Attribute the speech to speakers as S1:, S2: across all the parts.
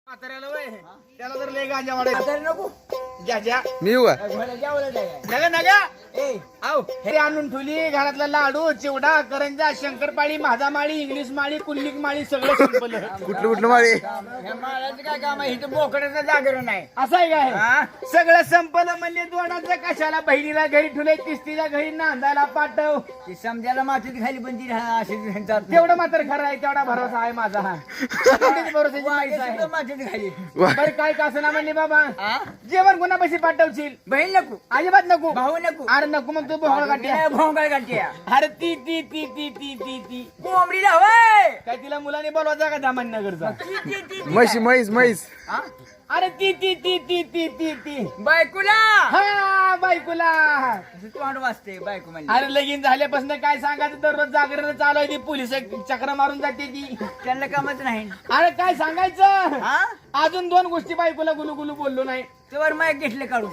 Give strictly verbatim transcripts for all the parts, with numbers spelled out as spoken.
S1: म्हाताऱ्याला वय त्याला जर लय गांजा वाढायचा
S2: नको
S1: ज्या ज्या
S3: मी येऊ का?
S1: नगा नगा ए आव हे आणून ठेवली घरातला लाडू चिवडा करंजा शंकरपाळी माझामाळी इंग्लिश माळी कुल्लिक माळी सगळं संपलं.
S3: कुठलं कुठलं माळी
S2: माळाचं काय काम आहे इथं बोकड्याचं जागरण आहे.
S1: असं आहे काय
S2: हा?
S1: सगळं संपलं म्हणले दोनाचं कशाला बहिणीला घरी ठेवले तिस्तीच्या घरी नांदायला पाठव
S2: ती समजायला मातीत खाली पण ती राहा- अशी म्हणतात.
S1: तेवढं मात्र खरं आहे तेवढा भरोसा आहे माझा हा तेवढीच भरोसाची
S2: वाघे
S1: माणसं आहे.
S2: सुद्धा मातीत खाली
S1: बरं काय का असं ना म्हणले बाबा
S2: हा?
S1: जेवण कोणापाशी पाठवशील
S2: बहीण नको
S1: अजिबात नको
S2: भाऊ नको
S1: अरे नको मग तू भोंगळ काढते
S2: भोंगळ काढते
S1: अरे ती ती ती ती ती ती ती
S2: कोंबडीला होय
S1: काय तिला मुलाने बोलवायचा का दामनगरचा
S2: ती- ती- ती- ती-
S3: म्हैस म्हैस म्हैस
S2: हा?
S1: अरे ती ती ती ती ती ती ती
S2: बायकोला
S1: हा बायकोला
S2: तोंड वाजते बायको म्हणजे
S1: अरे लगीन झाल्यापासून काय सांगायचं दररोज जागरण चालू आहे ती पोलीस चक्र मारून जाते ती
S2: त्यांना कामच नाही.
S1: अरे काय सांगायचं
S2: हा
S1: अजून दोन गोष्टी बायकोला गुलू गुलू बोललो नाही
S2: तेवर मायक घेतले काढून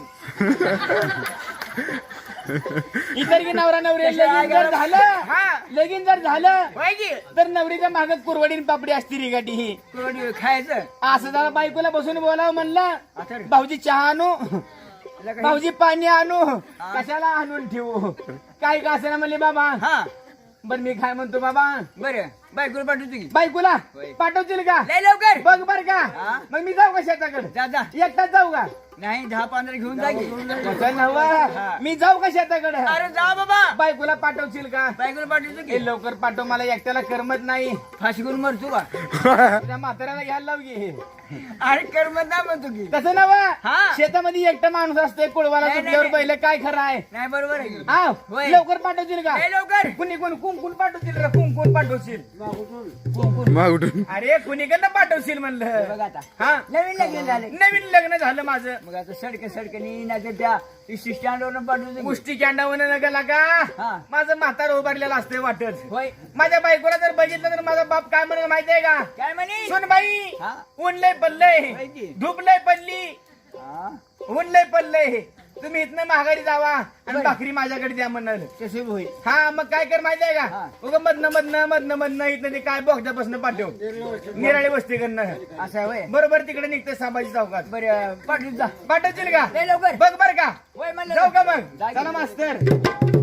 S1: इतर की नवरा नवरी लगीन जर झालं
S2: हा
S1: लगीन जर झालं
S2: होय की
S1: तर नवरीच्या मागत कुरवडीन पापडी असती रिगाटी ही
S2: कोरडी खायचं
S1: असं जरा बायकोला बसून बोलावं म्हणलं
S2: आता रे.
S1: भाऊजी चहा आणू
S2: तुला काही-
S1: भाऊजी पाणी आणू कशाला आणून ठेवू काय का असं ना म्हणले बाबा
S2: हा
S1: बर मी काय म्हणतो बाबा
S2: बरं बायकोला पाठवतो की
S1: बायकोला
S2: होय.
S1: पाठवतील का
S2: लय लवकर
S1: बघ बर का
S2: हा?
S1: मग मी जाऊ का शेताकडे
S2: जा जा
S1: एकटाच जाऊ का
S2: नाही दहा पंधरा घेऊन जा की.
S1: तसं नव्हं. मी जाऊ का शेताकडे
S2: अरे जा बाबा
S1: बायकोला पाठवशील का
S2: बायकोला पाठवतो
S1: हे
S2: की
S1: लवकर पाठव मला एकट्याला करमत नाही
S2: फाशी करून मरतो का
S1: तुझ्या म्हाताऱ्याला घ्यायला लाव की
S2: अरे करमत नाही म्हणतो की
S1: तसं नव्हं
S2: हा.
S1: शेतामध्ये एकटा माणूस असतोय कुळवाला
S2: नाही,
S1: तुझ्यावर
S2: नाही.
S1: पहिलं काय खरं आहे
S2: नाही बरोबर आहे की.
S1: आव
S2: होय.
S1: लवकर पाठवशील का
S2: लय लवकर
S1: कुणी कोण कुंकून पाठवशील रे कुंकून पाठवशील
S3: मग उठून
S1: अरे कुणीकडनं पाठवशील म्हणलं
S2: बघ आता
S1: हा
S2: नवीन लग्न झाले
S1: नवीन लग्न झालं माझं
S2: मग आता सडके सडकेनी नाही तर त्या स्टँडवर पाठवतो की.
S1: मुष्टी कॅन्डावर नका का
S2: हा.
S1: माझं म्हातार उभारलेलं असतंय वाटत
S2: होय
S1: माझ्या बायकोला जर बघितलं तर माझा बाप काय म्हणून माहितीये का
S2: काय म्हणे
S1: सुन बाई
S2: हा
S1: ऊन लय पडलंय
S2: होय की.
S1: धूप लय पडली
S2: हा
S1: ऊन लय पडलंय तुम्ही इथनं महागारी जावा आणि भाकरी माझ्याकडे द्या म्हणाल
S2: तसे होईल
S1: हा मग काय कर माहितीये का
S2: हा.
S1: उगा मधनं मधनं मधनं मधनं इथनं ते काय बोगद्यापासून पाठव निराळी वस्ती करणं
S2: असं आहे होय
S1: बरोबर तिकडे निघते संभाजी चौकात
S2: बरं पाठवत जा
S1: पाठवशील का
S2: लय लवकर
S1: बघ बर का
S2: होय म्हणलं
S1: जाऊ का मग
S2: जा की.
S1: चला मास्तर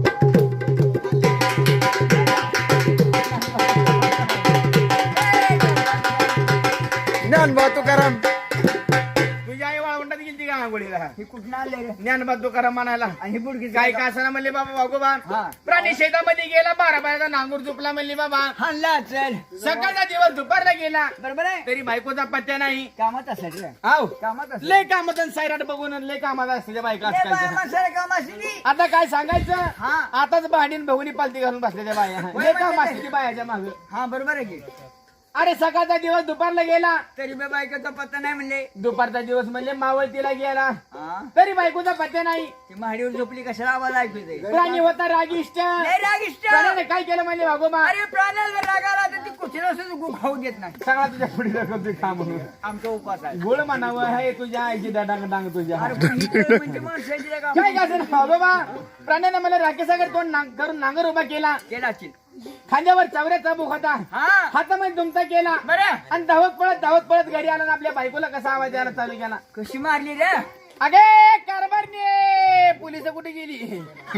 S3: ज्ञानबा तुकाराम
S1: तुझ्या आई वाळवंटात गेली का आंघोळीला
S2: हे कुठं आणलंय रे
S1: ज्ञानबा तुकाराम म्हणायला
S2: आणि ही बुडकी
S1: काय का असं म्हणले बाबा वागोबा
S2: हा.
S1: प्राणी शेतामध्ये गेला बारा बाराचा नांगूर चुकला म्हणली बाबा
S2: हाणला चल
S1: सकाळचा दिवस दुपारला गेला
S2: बरोबर आहे
S1: तरी बायकोचा पत्त्या नाही
S2: कामात असायचं रे
S1: आव
S2: कामात असं
S1: लय कामात आणि सायराट बघून लय कामात असते त्या बायका आजकालच्या.
S2: माणसाला काम असली
S1: आता काय सांगायचं
S2: हा.
S1: आताच भांडीन बघून पालती घालून बसल्या त्या बाया
S2: होय,
S1: लय काम
S2: म्हणजे
S1: असते बायाच्या माग
S2: हा बरोबर आहे की
S1: अरे सकाळचा दिवस दुपारला गेला
S2: तरी बे बायकोचा पत्ता नाही म्हणले
S1: दुपारचा दिवस म्हणजे मावळतीला गेला
S2: हा
S1: तरी बायकोचा पत्त्या नाही
S2: ती महाडीवर झोपली कशाला आवाज ऐकू येते
S1: प्राणी होता रागिष्ट
S2: लय रागिष्ट
S1: प्राण्याने काय केलं म्हणजे वागोबा
S2: अरे प्राण्याला जर राग आला तर ती कुठे सुद्धा गु खाऊ देत नाही
S1: सगळा तुझ्या पुढे रकमचे काम म्हणून
S2: आमचा उपास आहे
S1: गोळ म्हणावं हे तुझ्या आईची डांग डांग तुझ्या
S2: अरे पण ही तर म्हणजे माणसाची रे काम.
S1: काय का बाबा प्राण्याने मला राकेसागर तोंड नांग- करून नांगर उभा केला
S2: केला असेल
S1: खांद्यावर चावऱ्याचा बुक होता
S2: हा
S1: हातामध्ये तुमचा केला
S2: बरं
S1: आणि धावत पळत धावत पळत घरी आला आणि आपल्या बायकोला कसा आवाज द्यायला चालू केला
S2: कशी मारली रे
S1: अगे कारभारने पोलिस कुठे गेली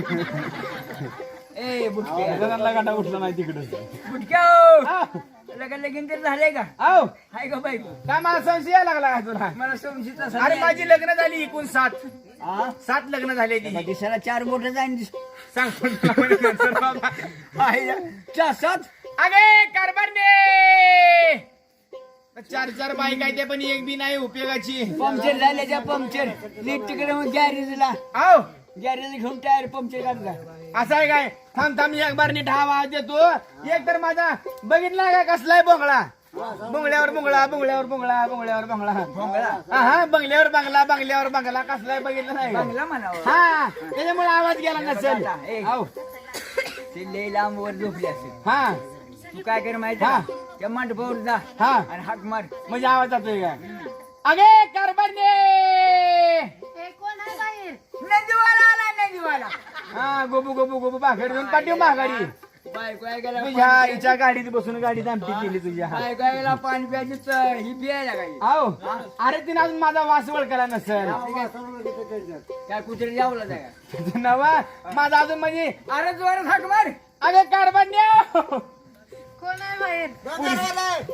S2: ए बुटक्या
S1: गाडा उठला नाही तिकडे
S2: बुटक्या लग्न लगीन तर झालंय का
S1: आओ
S2: हाय का बायको
S1: काय मला संशय लागला का तुला
S2: मला समजीचा
S1: अरे
S2: संशय.
S1: माझी लग्न झाली एकूण सात
S2: हा?
S1: सात लग्न झाले ती
S2: मग दिसायला चार बोट जाईन
S1: सांग पण तुला म्हणे नंतर बाबा.
S2: चार सात
S1: अगे कारभारने चार चार बाईक आहे ते पण एक बी नाही उपयोगाची
S2: पंक्चर झाल्याच्या पंक्चर नीट तिकडे मग गॅरेजला
S1: आओ
S2: गॅरेज घेऊन टायर पंक्चर काढला
S1: असं आहे काय थांब थांब एक बार नीट हा आवाज देतो एक तर माझा बघितला का कसलाय बोंगळा बुंगल्यावर बुंगळा बुंगल्यावर बुंगळा बुंगल्यावर बुंगळा
S2: भोंगळा
S1: हा हा बंगल्यावर बंगला बंगल्यावर बंगला कसलाय बघितलं नाही का?
S2: चांगला म्हणावं
S1: हा त्याच्यामुळे आवाज गेला नसेल
S2: ए.
S1: आओ
S2: ते लय लांब वर झोपली असेल
S1: हा
S2: तू काय कर माहिती
S1: हा.
S2: का? त्या मांडपावर जा
S1: हा
S2: आणि हाक मार
S1: म्हणजे आवाज जातोय का अगे कारभारने
S4: कोण आहे बाहेर
S2: नंदीवाला आला नंदीवाला
S1: हा गोबू गोबू गोबू भाकरी घेऊन पाठीव महागारी
S2: बायको आहे गेला
S1: तुझ्या आईच्या गाडीत बसून गाडीत आमटी केली तुझ्या
S2: बायको आहे गेला पाणी प्यायची च- ही पियायला काही
S1: आहो अरे तिने अजून माझा वास ओळखला नसेल
S2: काय कुत्रे जावला जाय
S1: नवा माझा अजून म्हणजे
S2: अरे जोरात हाक मार
S1: अगं कारभान्या
S4: कोण आहे बाहेर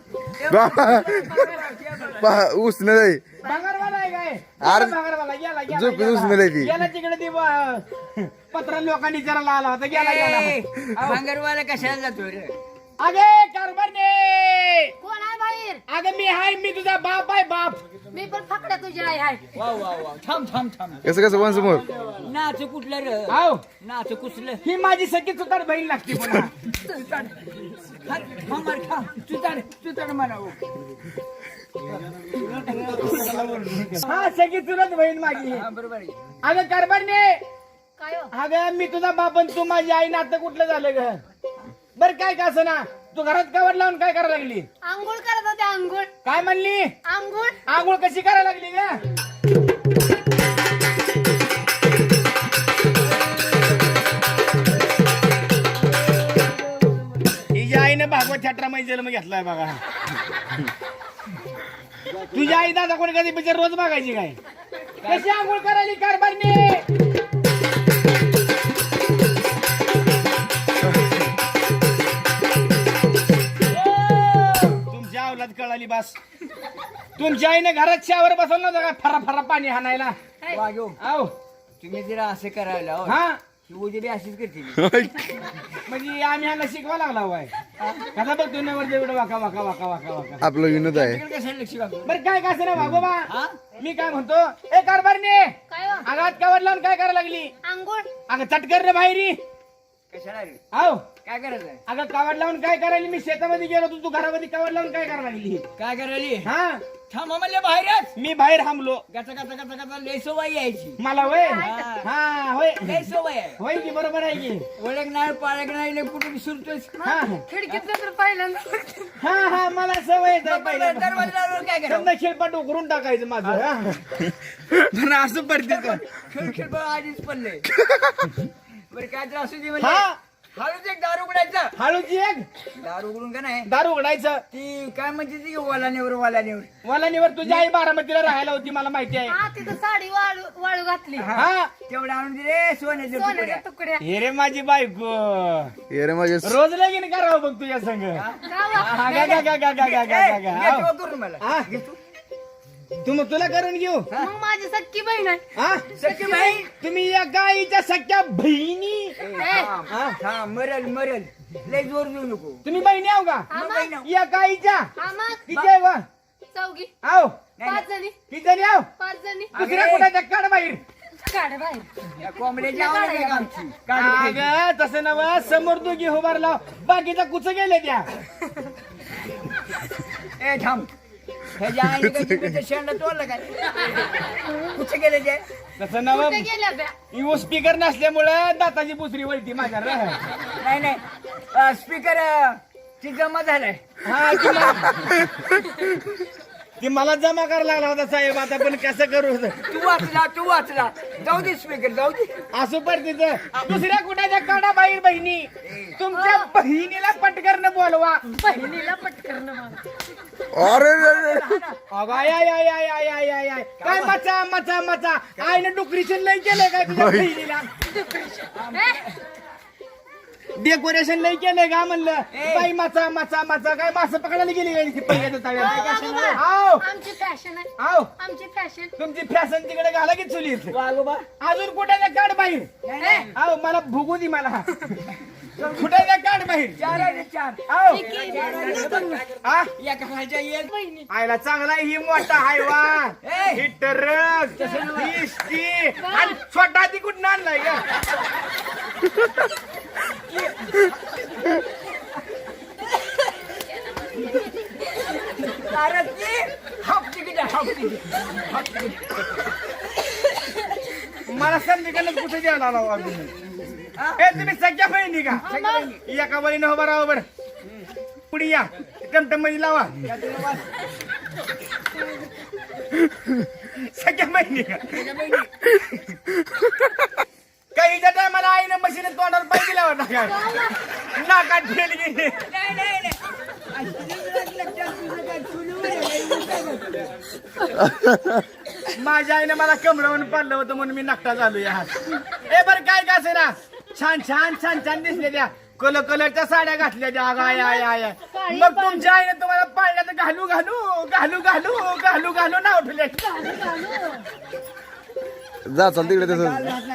S3: उसनं नाही
S1: भांगरवाला आहे काय
S3: अरे,
S1: भांगरवाला गेला गेला,
S3: झोपेत
S1: गेला
S3: उसमेल ती.
S1: गेला तिकडे ती ब- पत्र लोकांनी जरा आला होता गेला गेला
S2: भांगरवाला कशाला जातो रे
S1: अगे कारभान्ये
S4: कोण आहे बाहेर
S1: अगं मी हाय मी तुझा बाप आहे बाप
S4: मी पण फकड्या तुझी आई आहे
S2: वा वा वा थांब थांब थांब
S3: कसं कसं वन समोर
S2: नाच कुठलं रे
S1: आहो
S2: नाच कुसलं
S1: ही माझी सखी चुतार बहीण लागते पुन्हा
S2: मार खा चुताड चुताड म्हणावं
S1: हा सखी चुलत बहीण माझी
S2: हा बरोबर आहे
S1: अगं कारभान्ये
S4: काय हो?
S1: अगं मी तुझा बाप आणि तू माझी आई नातं कुठलं झालं ग बर काय का असं ना तू घरात कवर लावून काय करायला लागली
S4: आंघोळ करत होते आंघोळ
S1: काय म्हणली
S4: आंघोळ
S1: आंघोळ कशी करायला लागली ग हिच्या आईनं भागवत छात्रा मध्ये जन्म घेतलाय बघा तुझ्या आई दादा कोणी कधी पिक्चर रोज बघायची काय कशी आंघोळ करायली कारभारने तुमच्या अवलाद कळाली बस तुमच्या आईने घरात शावर बसवलं नव्हतं का फरा फरा पाणी हाणायला
S2: वागो
S1: आहो
S2: तुम्ही जरा असं करायला हो.
S1: हा
S2: ही उजेडी अशीच करते
S1: म्हणजे आम्ही ह्याला शिकवा लागला होय कसा बघ तू नवर जेवढं वाका वाका वाका वाका वाका
S3: आपलं विनोद आहे
S2: तिकडे कशाला लक्ष घालतो
S1: बरं काय काय ना वागोबा
S2: हा?
S1: मी काय म्हणतो ए कारभारने
S4: काय हो?
S1: आगात कवर लावून काय करायला लागली
S4: आंघोळ
S1: अगं चटकर रे बाहेरी
S2: कशाला रे
S1: आहो
S2: काय करायचंय
S1: अगं कावड लावून काय करायली मी शेतामध्ये गेलो तू तू घरामध्ये कावड लावून काय करायला लागली
S2: काय करायली
S1: हा
S2: थांबा म्हणले बाहेरच
S1: मी बाहेर थांबलो
S2: गचा गचा गचा गचा लय सवय यायची
S1: मला होय
S2: हा.
S1: हा होय
S2: लय सवय आहे
S1: होय की बरोबर आहे की
S2: ओळख नाही पाळख नाही लय कुठे विसरतोयस
S1: हा
S4: खिडकीत तर पहिल्यांदा
S1: हा हा मला सवय आहे पहिल्या
S2: दरवाजावर काय करावं
S1: समजा खेळपाट उकरून टाकायचं माझं हा. पण असं पडते का
S2: खेळ खेळ बघ आधीच पडले बरं काय तर असू दे म्हणजे
S1: हा
S2: हळूच एक दारू उघडायचा
S1: हळूची एक
S2: दारू उघडून का नाही
S1: दारू उघडायचं
S2: ती काय म्हणते ती वालानेवर वालानेवर
S1: मला निवर तुझी आई बारामतीला राहायला होती मला माहिती आहे
S4: हा तिथं साडी वाळू वाळू घातली
S1: हा
S2: तेवढं आणून दिले सोन्याचे
S4: सोन्याच्या
S2: तुकडे
S4: तुकड्या
S1: हे रे माझी बायको
S3: ये रे माझे
S1: रोज लगीन करावं बघ तुझ्या संग
S4: गावा.
S1: हा, गा, गा, गा, गा, गा, गा, गा, गा.
S2: घेतो करून मला
S1: हा.
S2: घेतो
S1: तू मग तुला करून घेऊ
S4: मग माझी सक्की बहीण आहे
S1: हा
S2: सख्खी बहीण.
S1: तुम्ही या गाईच्या सख्या बहिणी
S2: ए,
S4: ए,
S2: थांब,
S1: हा.
S2: थांब, मरल मरल लय जोर देऊ नको
S1: तुम्ही बहिणी आहो का
S4: हा
S2: मग
S4: मग.
S2: बहीण.
S1: या गाईच्या
S4: हा मग.
S1: किती आहे वा
S4: चौघी
S1: आहो
S4: पाच जणी
S1: किती जणी आहो
S4: पाच जणी
S1: दुसऱ्या कुठे काढ बाहेर
S4: काढ बाहेर
S2: या कोंबड्याची आवड आहे का आमची काढ घे.
S1: अगं तसं नव समोर दोघी उभारला बाकीचा कुच गेले त्या
S2: ए थांब ह्याच्या आईने काय जिभेचं शेंडा तोडलं काय कुठे गेले ते
S1: तसं नव
S4: कुठे गेल्या ब्या
S1: स्पीकर नसल्यामुळं दाताची बुसरी वळती माझ्या रे.
S2: नाही नाही स्पीकर ती जमा झालाय
S1: हा ती मला- ती मला जमा करायला लागला होता साहेब आता पण कसं करू
S2: तू वाचला तू वाचला जाऊ दे स्पीकर जाऊ दे
S1: असं पडते दुसऱ्या कुठाच्या काढा बाहेर बहिणी तुमच्या बहिणीला पटकरनं बोलवा
S4: बहिणीला पटकन मला
S3: अरे रे रे.
S1: अगं, आय आय आय आय आय आय आय आय काय मचा मचा मचा आईनं डुकरीशन लय केलंय काय तुझ्या बहिणीला डेकोरेशन लय केलंय का म्हणलं बाई मचा मचा मचा काय मास पकडायला गेली काय ती पहिल्याच्या तळ्यात आव
S4: आमची फॅशन आहे
S1: आव
S4: आमची फॅशन
S1: तुमची फॅशन तिकडे घाला की चुलीत
S2: वागोबा
S1: अजून कुठे काढ बाहेर आव मला भुगू दे मला कुठे काढ बाहेर
S2: चार आहे रे, चार
S1: आव आ
S2: एका खालच्या येईल
S4: बहिणी
S1: आयला चांगला ही मोठा हायवा
S2: ए!
S1: ही ट्रक ही ती आणि छोटा ती कुठं आणलाय का
S2: अरे ती हाफ तिकीट आहे, हाफ तिकीट हाफ तिकीट
S1: मला संधिकाला कुठे द्यायला आला हो अजून ए तुम्ही सगळ्या बहिणी का एका बहिणी उभा राहा बरं पुढे या टमटम मध्ये लावा सगळ्या बहिणी का काहीच्या टायमाला आईनं मशीन तोंडावर पाय दिला होता काय नाकात ठेल गेली
S2: नाही नाही नाही अशी लक्षात तुझं काय चुलीवर आहे,
S1: माझ्या आईने मला कमरावून पाडलं होतं म्हणून मी नकटा झालो या ए बर काय का असे ना छान छान छान छान दिसले त्या कलर कलरच्या साड्या घातल्या त्या आग आय आय आय मग तुमच्या आईने तुम्हाला पाडल्या तर घालू घालू घालू घालू घालू घालू नाव ठेवले
S3: जा चाल तिकडे तसं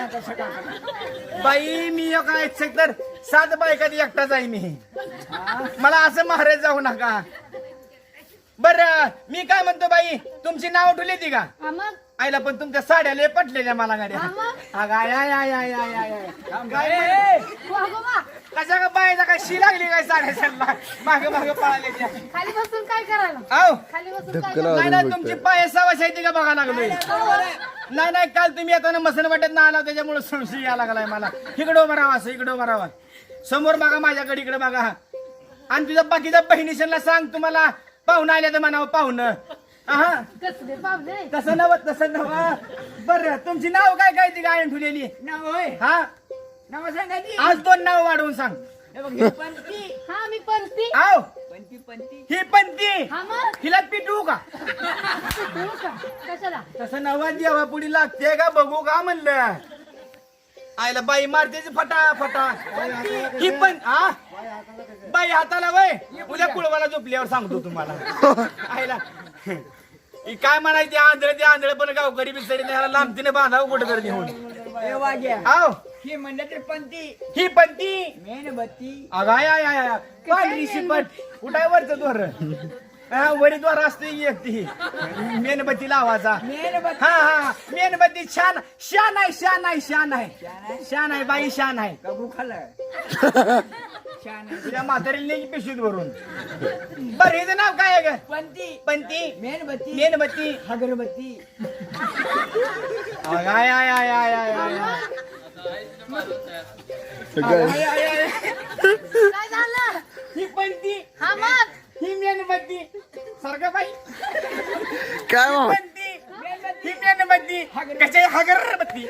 S1: बाई मी काय तर सात बायका एकटाच आहे मी मला असं महाराज जाऊ नका बर मी काय म्हणतो बाई तुमची नाव ठेवली ती का
S4: हा मग
S1: आईला पण तुमच्या साड्या लय पटलेल्या मला गाड्या
S4: हा मग
S1: अग आय आय आय आय आय आय आय. काय
S2: ए,
S1: म्हणते?
S4: वागोबा
S1: कशा का बायचा काय शी लागली काय साड्या सरला मागे मागे पळाले त्या
S4: खाली बसून काय करायला
S1: आव
S4: खाली बसून काय
S3: धक्का
S4: करायला?
S1: नाही नाही तुमची पाय सवाशायची का बघा लागलोय नाही नाही काल तुम्ही येताना मसन वाटत ना आला त्याच्यामुळे संशय यायला लागलाय मला इकडं उभा राहा असं इकडं उभा राहा समोर बघा माझ्याकडे इकडे बघा आणि तुझ्या बाकीच्या बहिणीशनला सांग तुम्हाला पाहुणं आल्या तर म्हणावं पाहुणं हा
S4: कसले पावले
S1: तसं नव तसं नव बरं तुमची नाव काय काय ती गायन ठेवलेली
S2: नाव होय
S1: हा
S2: नाव सांगायची
S1: आज दोन नाव वाढवून सांग
S2: हे बघ ही पंती
S4: हा मी पंथी
S1: आव
S2: पंती पंती
S1: ही पण ती
S4: हा मग
S1: हिला पिटू का
S4: तू का कशाला
S1: तसं नवा जेव्हा पुढे लागते का बघू का म्हणलं आयला बाई मारतेच फटा फटा ही पण हा बाई हाताला वय उद्या कुळवाला झोपल्यावर सांगतो तुम्हाला आयला ही काय म्हणायची आंधळ ते आंधळ पण गावकरी बिचारी ह्याला लांबतीने बांधावं कुठं तर नेऊन
S2: हे वाग्या
S1: आव
S2: ही म्हणलं तर पंती
S1: ही पण ती
S2: मेणबत्ती
S1: अगाय आय आय आय पांढरी शिपट उठाय वरचं दोर हा वरी द्वार असते एक ती मेणबत्ती लावायचा
S2: मेणबत्ती
S1: हा हा मेणबत्ती छान शान आहे शान आहे शान आहे शान आहे बाई शान आहे
S2: कबू खाल्लं छान आहे.
S1: तुझ्या म्हातारीला नाही पिशवीत भरून बरं हिचं नाव काय आहे ग
S2: पंती
S1: पंती
S2: मेणबत्ती
S1: मेणबत्ती
S2: अगरबत्ती
S1: आय आय आय आय आय आय आय आय.
S3: काय
S1: आय, आय, आय.
S4: काय झालं
S1: ही पंती
S4: हा मग
S1: ही मेणबत्ती सारखं बाई
S3: काय मामा
S1: पंती ही मेणबत्ती कशा हगरबत्ती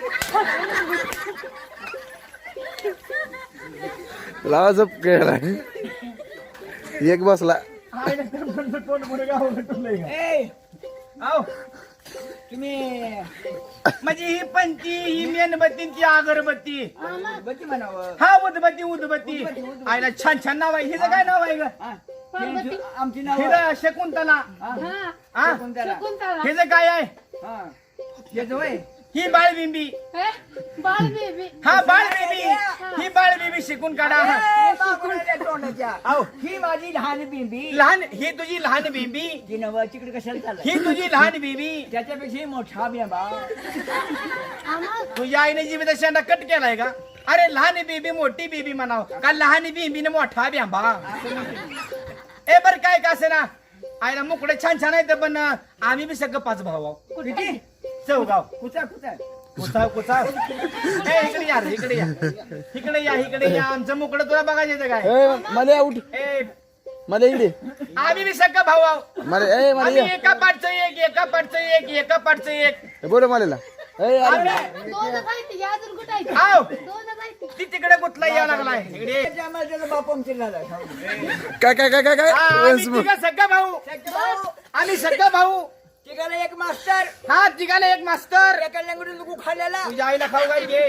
S3: लावा झप केलाय एक बसला
S1: तोंड पुढे गाव
S2: ए
S1: आव
S2: तुम्ही
S1: म्हणजे ही पंती ही मेणबत्ती ती अगरबत्ती
S4: हा मग
S2: बत्ती म्हणावं
S1: हा उदबत्ती उदबत्ती आईला छान छान नाव आहे हिचं काय नाव आहे ग
S2: हा.
S4: पार्वती.
S2: आमची नाव
S1: हिचं शकुंतला
S4: हा
S1: हा
S2: कोणत्याला
S4: शकुंतला
S1: हिचं काय आहे
S2: हा येतो होय
S1: ही बाळबिंबी
S4: हे बाळ बेबी
S1: हा बाळबिंबी ही बाळबिंबी शिकून काढा
S2: ए, बाकुळाच्या तोंडाच्या
S1: आव
S2: ही माझी लहान बिंबी
S1: लहान ही तुझी लहान बिंबी
S2: ती नवं तिकडे कशाला चाललं
S1: ही तुझी लहान बिंबी
S2: त्याच्यापेक्षा ही मोठा बिंबा
S4: हा मग
S1: तुझ्या आईने जीवित शेंडा कट केलाय का अरे लहान बेबी मोठी बेबी म्हणाव का लहान बेबीने मोठा ब्याबा ए बर काय का असे ना आईला मुकडे छान छान आहेत पण आम्ही बी सगळं पाच भाऊ आहो.
S2: किती
S1: चौगाव
S2: कुचा कुचा
S1: कुचाव कुचाव ए इकडे या रे, इकडे या इकडे या इकडे या आमचं मुकडं तुला बघायचं येतं काय
S3: ए मला उठ
S1: ए
S3: मला इकडे
S1: आम्ही बी सगळं भाऊ आहो.
S3: मला ए मला
S1: आम्ही
S3: ये
S1: एका पाठचं एक एका पाठचं एक एका पाठचं एक
S3: ए, बोल मला ए अरे
S4: दोनच आहे ती अजून कुठं आहे ती?
S1: आव
S4: दोनच आहे ती.
S1: ती तिकडे कुठला यायला लागलाय इकडे
S2: त्याच्या आम्हाला त्याचा बाप आमची झाला
S3: काय काय काय काय काय
S1: हा, आम्ही
S3: वंश
S1: तिघं सगळं भाऊ
S2: भाऊ
S1: आम्ही सगळं भाऊ
S2: तिघाला एक मास्टर
S1: हा तिघाला एक मास्तर
S2: एका लंगडून तू खाल्लेला
S1: तुझ्या आईला खाऊ काय घे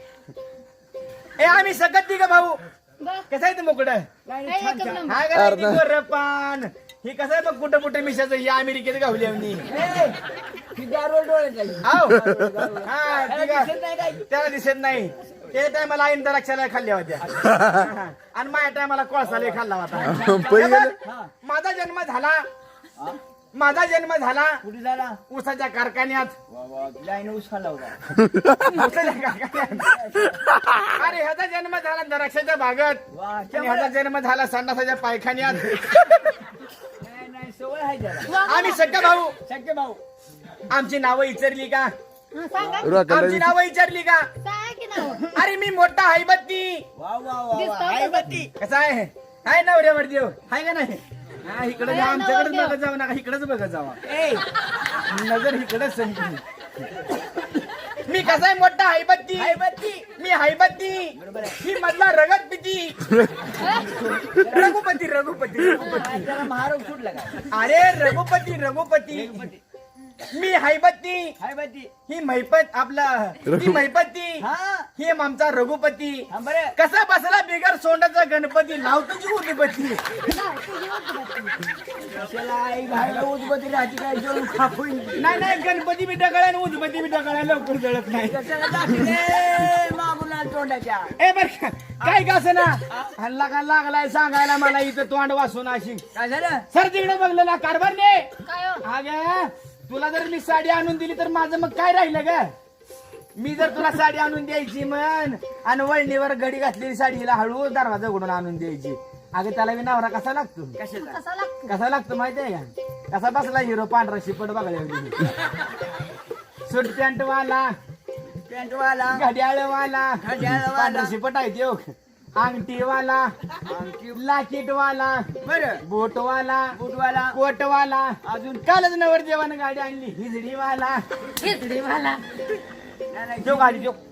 S1: ए आम्ही सगळं तिघं भाऊ
S4: बस.
S1: कसं आहे ते मुकड
S2: नाही,
S4: हे
S2: छान,
S4: एकच
S2: छान.
S4: नंबर.
S1: हा का नाही गोर पान हे कसं आहे बघ कुठं कुठं मिशाचं या अमेरिकेत गावली आम्ही
S2: ए, ही दारू डोळ्यात आहे.
S1: आव
S2: दारू.
S1: हा
S2: त्याला
S1: तिघं.
S2: दिसत नाही काय?
S1: त्याला दिसत नाही ते टायमाला आईन द्राक्षाला खाल्ल्या होत्या आणि माझ्या टायमाला कोळसाला खाल्ला होता
S3: पै गेलं
S2: हा.
S1: माझा जन्म झाला
S2: हा?
S1: माझा जन्म झाला
S2: कुठे झाला
S1: ऊसाच्या कारखान्यात
S2: वा वा लाईन ऊस खाल्ला होता
S1: ऊसाच्या कारखान्यात अरे ह्याचा जन्म झाला द्राक्षाच्या बागेत
S2: वा
S1: आणि ह्याचा जन्म झाला संडासाच्या पायखान्यात
S2: नाही नाही सवय आहे त्याला
S1: आम्ही सगळे भाऊ
S2: सख्खे भाऊ
S1: आमची नावं विचारली का
S4: हा, सांगा
S1: आमची नावं विचारली का
S4: सांगा की नाव
S1: अरे मी मोठा आहे बत्ती
S2: वा वा वा वा
S4: दिसतं
S2: आहे
S4: का?
S2: बत्ती
S1: कसा आहे हाय नवऱ्यावर देव हाय का नाही हा इकडे जा
S4: हाय
S1: आमच्याकडेच
S4: नवरदेव.
S1: बघत जाऊ नका इकडेच बघत जावा
S2: ए
S1: नजर इकडेच संधी मी मी कसाय मोठा हायबत्ती
S2: हायबत्ती.
S1: मी हायबत्ती
S2: बरोबर आहे.
S1: ही मधला रगत पिती रघुपती रघुपती रघुपती
S2: त्याला महारोग सुटला का
S1: अरे रघुपती रघुपती मी हायबत्ती
S2: हायबत्ती.
S1: ही महिपत आपला ही महिपती
S2: हा
S1: ही आमचा रघुपती
S2: हा बरं
S1: कसा बसला बिगर सोंडाचा गणपती लावतो जी उदबत्ती
S2: कशाला आई घायला उदबत्ती राहते काय जेवण खापून
S1: नाही नाही गणपती बी डगळ्या आणि उदबत्ती बी डगळ्या लवकर जळत नाही
S2: कशाला दाखले मागुला तोंडाच्या
S1: ए बर का, काय का असं ना हल्ला का लागलाय सांगायला मला इथं तोंड वासून अशी
S2: काय झालं
S1: सर तिकडे बघलं ना कारभारने
S4: काय हो?
S1: अगं तुला जर मी साडी आणून दिली तर माझं मग काय राहिलं ग मी जर तुला साडी आणून द्यायची म्हण आणि वळणीवर घडी घातलेली साडीला हळू दरवाजा उघडून आणून द्यायची अगं त्याला मी नवरा कसा लागतो
S2: कशाला
S4: कसा लागतो
S1: कसा लागतो माहितीये का कसा बसला हिरो पांढरा शिपट बघायला सूट पॅन्ट वाला
S2: पॅन्टवाला
S1: घड्याळ वाला
S2: घड्याळवाला.
S1: पांढरा शिपट आहे त्यो अंगठी वाला लाकीट वाला
S2: बरं
S1: बोट वाला
S2: बुटवाला
S1: कोट वाला
S2: अजून
S1: कालच नवर देवानं गाडी आणली हिजडी वाला
S4: खिचडी मला
S2: नाही, नाही.
S1: तो गाडी तो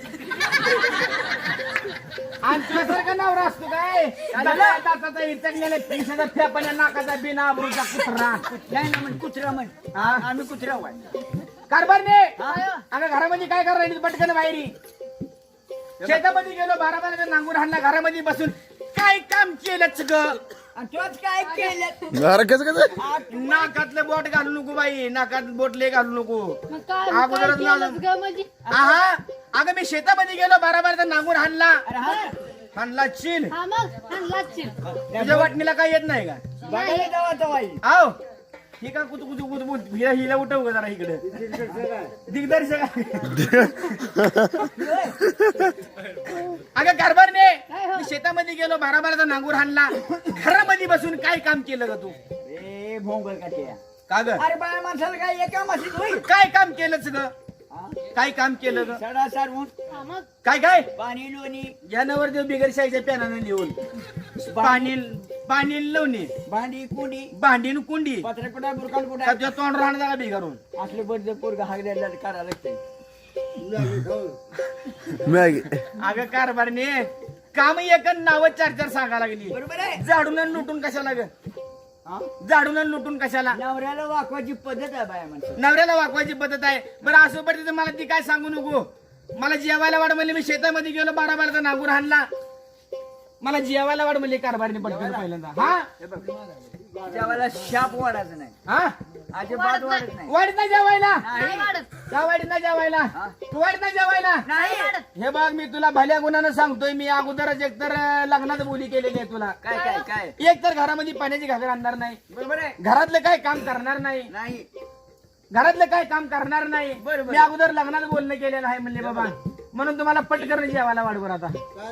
S1: आणि तुझ्यासारखा नवरा असतो काय दाताचा इचकलेला पिसाचा फेपण्या नाकाचा बिना आबरूचा कुत्रा
S2: नाही ना म्हण कुत्रा म्हण
S1: हा?
S2: आम्ही कुत्रा वाय
S1: कारभारने
S2: हा?
S1: अगं घरामध्ये काय करा राहिली पटकन बाहेरी शेतामध्ये गेलो बारा बारा नांगूर हाणला घरामध्ये बसून काय काम केलंच ग
S2: आणि तोच काय केलं
S3: अरे कसं कसं
S1: नाकातलं बोट घालू नको बाई नाकात बोटले घालू नको
S4: मग काय
S1: अगोदरच
S4: काय
S1: लावलं.
S4: केलंच ग म्हणजे
S1: आहा अगं मी शेतामध्ये गेलो बारा बारा नांगूर हाणला
S2: अरे हा
S1: हाणला चिल
S4: हा मग आणलाच चिल
S1: तुझ्या वाटणीला काय येत नाही का
S2: बघायला जावा तवाई
S1: आव ही का कुतू कुतू कुतू कुतू हिला हिला उठव ग जरा इकडे दिग्दर्शक अगं कारभारने
S4: काय हो?
S1: मी शेतामध्ये गेलो बारा बाराचा नांगूर हाणला घरामध्ये बसून काय काम केलं ग तू
S2: ए भोंगळ का ते
S1: का ग
S2: अरे बाया माणसाला काय एका माशीत होईल
S1: काय काम केलंच ग काय काम केलं ग
S2: सडा सारवून
S4: हा मग
S1: काय काय
S2: पाणी लोणी
S1: ज्यानावर देव बिगर शाहीच्या पेनानं लिहून पाणी पाणी लावणे
S2: भांडी कुंडी
S1: भांडीन कुंडी
S2: पत्रे कुठा बुरकाल कुठा
S1: का तुझ्या तोंड राहणार जागा बिगारून
S2: असले बर्द पोरग हागल्याला करायला लागते
S3: मॅगी
S1: अगं कारभारने काम एक नाव चार चार सांगा लागली
S2: बरोबर आहे
S1: झाडून आणि लुटून कशाला ग
S2: हा?
S1: झाडून आणि लुटून कशाला
S2: नवऱ्याला वाकवायची पद्धत आहे बाया माणसं
S1: नवऱ्याला वाकवायची पद्धत आहे बरं असं पडते मला ती काय सांगू नको मला जेवायला वाढ म्हणले मी शेतामध्ये गेलो बारा बाराचा नांगूर हाणला मला जेवायला वाढ म्हणले कारभारने पटकन पहिल्यांदा हा
S2: हे बघ जेवायला शाप वाढायचं नाही
S1: हा
S2: अजिबात वाढत नाही
S1: वाढीत ना जेवायला
S4: नाही वाढत
S1: का वाढीत ना जेवायला
S2: हा?
S1: तू वाढीत ना जेवायला
S2: नाही
S1: हे बघ मी तुला भल्या गुणानं सांगतोय मी अगोदरच एकतर अं, लग्नात बोली केलेली आहे तुला
S2: काय काय काय
S1: एक तर घरामध्ये पाण्याची घागर आणणार नाही
S2: बरोबर आहे
S1: घरातलं काय काम करणार नाही
S2: नाही
S1: घरातलं काय काम करणार नाही
S2: बरोबर.
S1: मी अगोदर लग्नात बोलणं केलेलं आहे म्हणले बाबा म्हणून तुम्हाला पटकन जेवायला वाढवर आता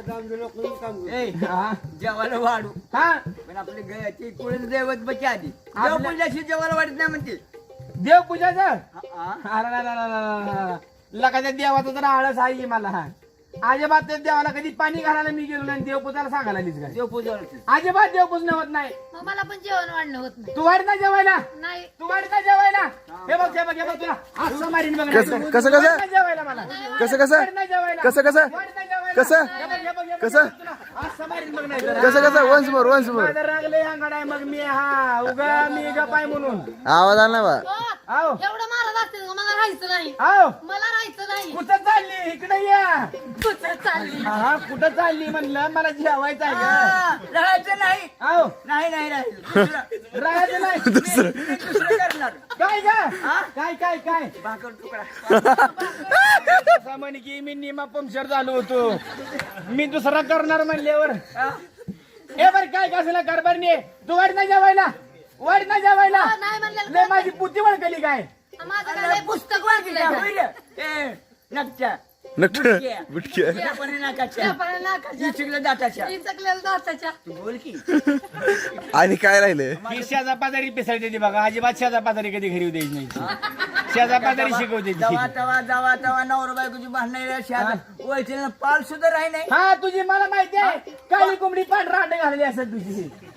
S2: ए
S1: हा
S2: जेवायला वाढू
S1: हा
S2: पण आपले गयाची कुळीन दैवत बची आधी
S1: आपल्या-
S2: देवपूजाशी जेवायला वाढत नाही म्हणते
S1: देवपूजाचं
S2: हा, हा.
S1: अरे ला ला ला ला ला ला. लकाच्या देवाचा तर आळस आहे मला हा अजिबात त्या देवाला कधी पाणी घालायला मी गेलो नाही देवपूजाला सांगायला आलीच काय
S2: देवपूजा होती.
S1: अजिबात देवपूजन होत नाही
S4: मग मला पण जेवण वाढणं होत नाही
S1: तू वाढ ना जेवायला
S4: नाही
S1: तू वाढ ना जेवायला हे बघ हे बघ हे बघ तुला असं मारीन बघ
S3: कसं-
S1: नाही.
S3: कसं-
S1: तू वाढ
S3: कसं?
S1: ना जेवायला मला
S3: कसं कसं
S1: वाढ ना जेवायला.
S3: कसं कसं
S1: वाढ ना जेवायला.
S3: कसं?
S1: हे बघ, हे बघ, हे बघ,
S3: कसं?
S1: हे बघ तुला. असं मारीन बघ नाही तर.
S3: कसं कसं वन्स मोर वन्स मोर
S1: माझं रागले अंगड आहे मग मी हा उगा मी गपाय म्हणून
S3: आवाज आला ना बा
S4: हो,
S1: आओ
S4: एवढं मारत असते का? मला राहायचं नाही
S1: आओ
S4: मला राहायचं नाही
S1: कुठं चालली इकडे या
S4: कुठं चालली
S1: हा कुठं चालली म्हणलं मला जेवायचं आहे का
S2: हा, राहायचं नाही
S1: आओ
S2: नाही नाही राहायचं दुसरं-
S1: राहायचं नाही
S2: मी- मी दुसरं करणार
S1: काय का
S2: हा?
S1: काय काय काय
S2: भाकर तुकडा
S1: असं म्हणे की मी निमा पंक्चर झालो होतो मी दुसरा करणार म्हणल्यावर
S2: हा?
S1: हे बर काय कसला कारभारने तू वाढ ना जेवायला वाढ ना जेवायला
S4: हो, नाही म्हणलेलं
S1: लय माझी पुती वळकली काय
S4: माझं काय लय पुस्तक वाचलंय का?
S2: होईल? ए, नकच्या
S3: नक्की
S2: बुटक्या.
S3: बुटके
S2: त्यापणे नाकाच्या
S4: त्यापणे नाकाच्या,
S2: इचकल्या दाताच्या
S4: इचकलेलं दाताच्या.
S2: तू बोल की
S3: आणि काय राहिलं
S1: ही शेजा पाजारी पिसाळते ती बघा अजिबात शेजा पाजारी कधी घरी द्यायची नाही शेजा पाजारी शिकवते ती.
S2: तवा तवा जावा तवा नवरा बायकोची भांडण ओळखीला पाल सुद्धा राही नाही
S1: हा तुझी मला माहिती आहे काळी कोंबडी पांढरा अंडे घालली असत तुझी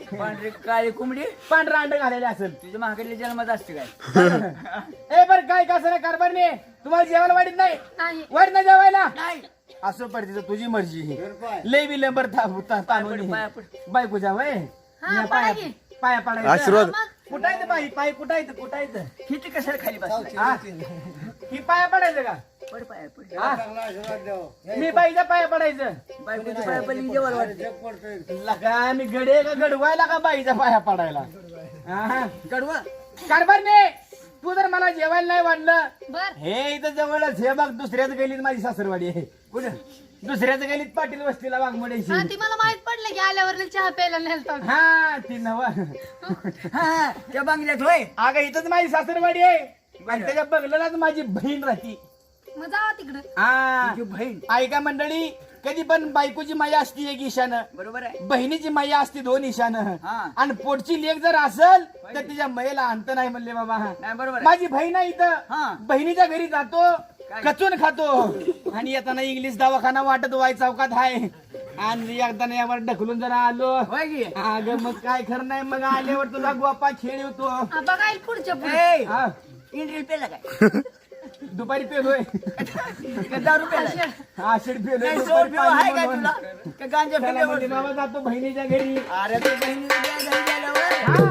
S2: पांढरी काळी कोंबडी
S1: पांढरा अंड घालेले असेल
S2: तुझ्या महाकडल्या जन्मात असते काय
S1: ए बर काय कसं नाही कारभार नाही तुम्हाला जेवायला वाढत नाही
S4: नाही
S1: वाढत नाही जेवायला
S2: नाही
S1: असं पडते तर तुझी मर्जी लय विलंबर ताणून
S2: पाया पड.
S1: बायकोच्या वय
S4: हा,
S1: पाया
S4: पाया घे.
S1: पाया पाडायचं
S3: आशीर्वाद
S1: कुठायचं बाई पाय कुठायचं कुठायचं
S2: किती कशाला खाली बसला
S1: हा? ही पाया पडायचं का
S2: पड पाया पड
S1: हा? मी बाईच्या पाया पडायचं
S2: बायकोच्या पाया पडली की जेवायला वाटते
S1: लका मी गडे का गडवायला का बाईच्या पाया पडायला हा?
S2: कडवा
S1: कारभार नाही तू जर मला जेवायला नाही वाढलं
S4: बर
S1: हे इथं जवळच हे बघ दुसऱ्याच गलीत माझी सासरवाडी आहे कुठं दुसऱ्याच गलीत पाटील वस्तीला
S4: हा
S1: वाघमोड्याची
S4: ती मला माहित पडलं की आल्यावर चहा प्यायला नेलता
S1: हा ती नव
S2: हा त्या बांगल्यात होय
S1: अगं इथंच माझी सासरवाडी आहे आणि त्याच्या बगलालाच माझी बहीण राहती
S4: मग जावा तिकडं
S1: हा
S2: तुझी बहीण
S1: ऐका मंडळी कधी पण बायकोची माया असती एक ईशानं
S2: बरोबर आहे
S1: बहिणीची माया असती दोन ईशानं
S2: हा.
S1: आणि पोटची लेख जर असल तर तिच्या मैला अंत नाही म्हणले बाबा
S2: नाही बरोबर आहे.
S1: माझी बहीण आहे
S2: हा.
S1: इथं बहिणीच्या घरी जातो
S2: काय?
S1: कचून खातो आणि येताना इंग्लिश दवाखाना वाटत वाय चौकात आहे आणि एकदा यावर ढकलून जरा आलो
S2: होय की
S1: अगं मग काय खरं नाही मग आल्यावर तुला गोपा खेळ होतो
S4: हा, बघायला पुढच्या पुढे
S2: ए,
S1: हा,
S2: इंद्रिय पेला काय
S1: दुपारी पेलोय
S2: का दारू पेला
S1: आषाढ पेलोय
S2: काय
S1: दुपारी
S2: सोड आहे काय
S1: पाणी
S2: तुला
S1: बनवून.
S2: का गांजा
S1: त्याला
S2: पेल्यावर
S1: म्हणते, बाबा जातो बहिणीच्या घरी
S2: अरे तू बहिणीला द्या घरी गेल्यावर
S1: हा.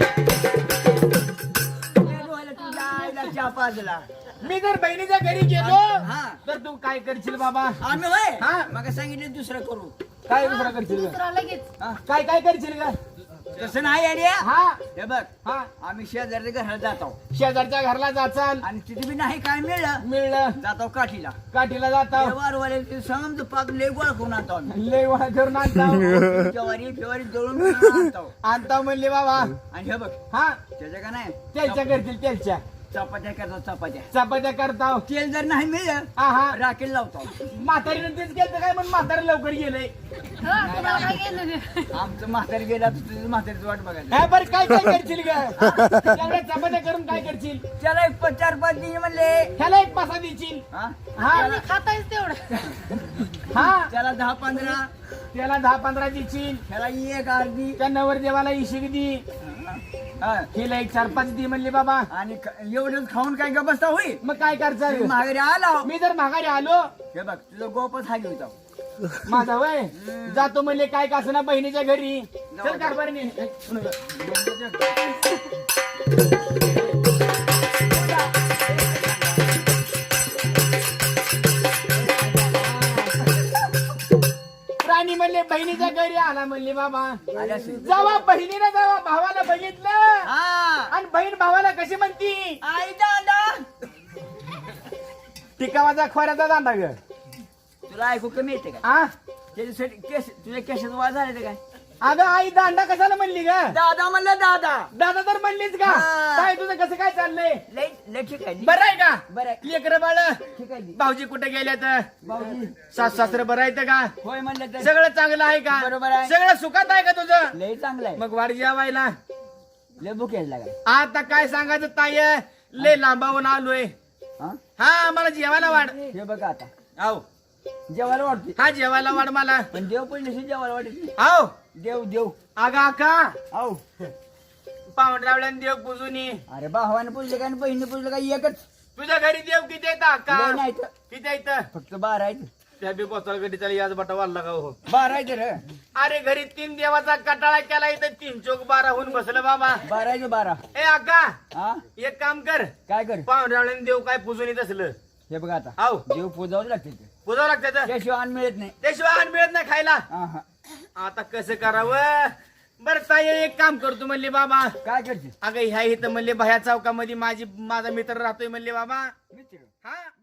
S2: ए, डोहायला तुझ्या आईला चहा पाजला
S1: मी जर बहिणीच्या घरी गेलो
S2: हा.
S1: तर तू काय करशील बाबा
S2: आम्ही होय
S1: हा.
S2: मग सांगितलं दुसरं करू
S1: काय दुसरा करशील ग?
S4: दुसरा लगेच
S2: हा.
S1: काय काय करशील का
S2: तसं नाही आयडिया
S1: हा
S2: हे बघ
S1: हा
S2: आम्ही शेजारच्या घराला जातो
S1: शेजारच्या घरला जाचाल
S2: आणि तिथे बी नाही काय मिळलं
S1: मिळलं
S2: जातो काठीला
S1: काठीला जाता
S2: वारवाले समज पाक लय गोळा करून आणतो आम्ही
S1: लय वळा करून आणता
S2: ज्वारी फेवारी दळून बिळून आणतो
S1: आणता म्हणले बाबा
S2: आणि हे बघ
S1: हा
S2: त्याच्या का नाही
S1: त्याच्या करतील त्याच्या
S2: चपात्या करतो चपात्या
S1: चपात्या करता
S2: तेल जर नाही मिळलं
S1: हा हा
S2: राखेल लावतो
S1: म्हातारीनं तेच केलं काय म्हणून म्हातारी लवकर गेलंय
S4: हा, तुम्हाला काय गेलं नाही.
S2: आमचं म्हातारी गेला तर तुझं म्हातारीच वाट बघायला
S1: हा बरं काय काय करशील ग तेवढ्या चपात्या करून काय करशील
S2: त्याला एक प- चार पाच दिन म्हणले
S1: ह्याला एक पासा देशील
S2: हा?
S1: हा
S4: तुम्ही खातायच तेवढं
S1: हा
S2: त्याला दहा पंधरा
S1: त्याला दहा पंधरा देशील
S2: त्याला एक अर्धी
S1: त्या नवरदेवाला इशिक दी
S2: हा.
S1: हिला एक चार पाच दी म्हणले बाबा
S2: आणि ख- एवढंच खाऊन काय का बसता होईल
S1: मग काय करचाल
S2: माघारी आला
S1: मी जर माघारी आलो
S2: हे बघ तुझं गोपच हागी होता
S1: माझा वय जातो म्हणले काय का असं ना बहिणीच्या घरी चल कारभारी राणी म्हणले बहिणीच्या घरी आला म्हणले बाबा
S2: आल्या असेल.
S1: जेव्हा बहिणीनं जेव्हा भावाला बघितलं
S2: हा
S1: आणि बहीण भावाला कशी म्हणती
S2: आई दादा
S1: टिकावाचा खोऱ्याचा दांडा ग
S2: तुला ऐकू कमी येते का
S1: आ
S2: त्याच्यासाठी केस तुझ्या केसात वाज झाले ते काय
S1: अगं आई दांडा कशाला म्हणली ग
S2: दादा म्हणलं दादा
S1: दादा तर म्हणलीच का
S2: हा.
S1: काय तुझं कसं काय चाललंय
S2: लय लय ठीक आहे
S1: बरं आहे का
S2: बरं आहे.
S1: लेकर बाळ
S2: ठीक आहे
S1: भाऊजी कुठे गेले तर
S2: भाऊजी
S1: सास सासरं बरं आहे का
S2: होय म्हणलं तर
S1: सगळं चांगलं आहे का
S2: बरोबर आहे.
S1: सगळं सुखात आहे का तुझं
S2: लय चांगलं आहे
S1: मग वाढ जेवायला
S2: लय बुक यायला काय
S1: आता काय सांगायचं ताय लय लांबावून आलोय
S2: हा
S1: हा मला जेवायला वाढ
S2: हे बघा आता
S1: आव
S2: जेवायला वाटते
S1: हा जेवायला वाढ मला
S2: पण देव पडले जेवायला वाटत
S1: आव
S2: देव देव
S1: अगा का
S2: आव
S1: पावडरावल्यान देव पुजून ये.
S2: अरे भावाने पुजले काय बहिणीने पुजलं काय एकच
S1: तुझ्या घरी देव किती येतात का
S2: लय नाही तर.
S1: किती येतं
S2: फक्त बारा आहेत
S1: त्या बी पोचाल गडी त्याला याच बटा वाढला का हो
S2: बारा आहेत रे
S1: अरे घरी तीन देवाचा कटाळा केला इथं तीन चोक बारा होऊन बसलं बाबा
S2: बारा आहेत बारा
S1: ए अक्का
S2: हा
S1: एक काम कर
S2: काय कर
S1: पावडरावल्यान देव काय पुजून येत असलं
S2: हे बघा आता
S1: आव
S2: देव पुजावं लागते ते
S1: पुजावं लागतं
S2: त्याशिवाय अन्न मिळत नाही
S1: त्याशिवाय अन्न मिळत नाही खायला
S2: हा हा
S1: आता कसं करावं बरं ताई एक काम करतो म्हणले बाबा
S2: काय करते
S1: अगं ह्या इथं म्हणले बाह्या चौकामध्ये माझी माझा मित्र राहतोय म्हणले बाबा
S2: मित्र
S1: हा